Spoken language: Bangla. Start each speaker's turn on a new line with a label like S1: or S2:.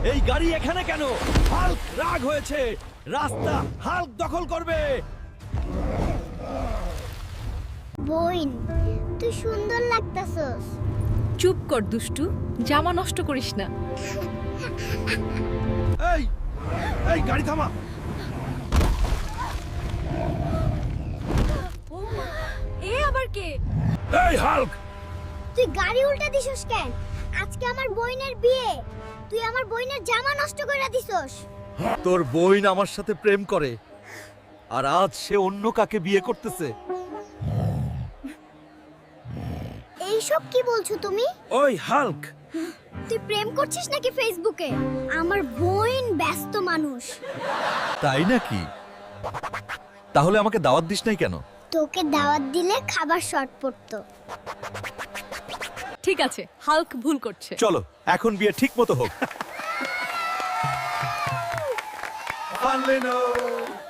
S1: এই গাড়ি এখানে কেন? হাল্ক রাগ হয়েছে, রাস্তা হাল্ক দখল করবে।
S2: বোন, তুই সুন্দর লাগতাছস।
S3: চুপ কর দুষ্টু, জামা নষ্ট করিস না।
S1: এই এই গাড়ি থামা।
S3: এ আবার কে?
S1: এই হাল্ক,
S2: তুই গাড়ি উল্টা দিছস কেন? আজকে আমার বোনের বিয়ে, তুই আমার বোনের জামা নষ্ট করে দিছস।
S1: তোর বোন আমার সাথে প্রেম করে আর আজ সে অন্য কাকে বিয়ে করতেছে।
S2: এইসব কি বলছো তুমি?
S1: ওই হাল্ক,
S2: তুই প্রেম করছিস নাকি ফেসবুকে? আমার বোন ব্যস্ত মানুষ।
S1: তাই নাকি? তাহলে আমাকে দাওয়াত দিস নাই কেন?
S2: তোকে দাওয়াত দিলে খাবার শর্ট পড়তো।
S3: ঠিক আছে, হাল্ক ভুল করছে।
S1: চলো এখন বিয়ে ঠিক মতো হোক।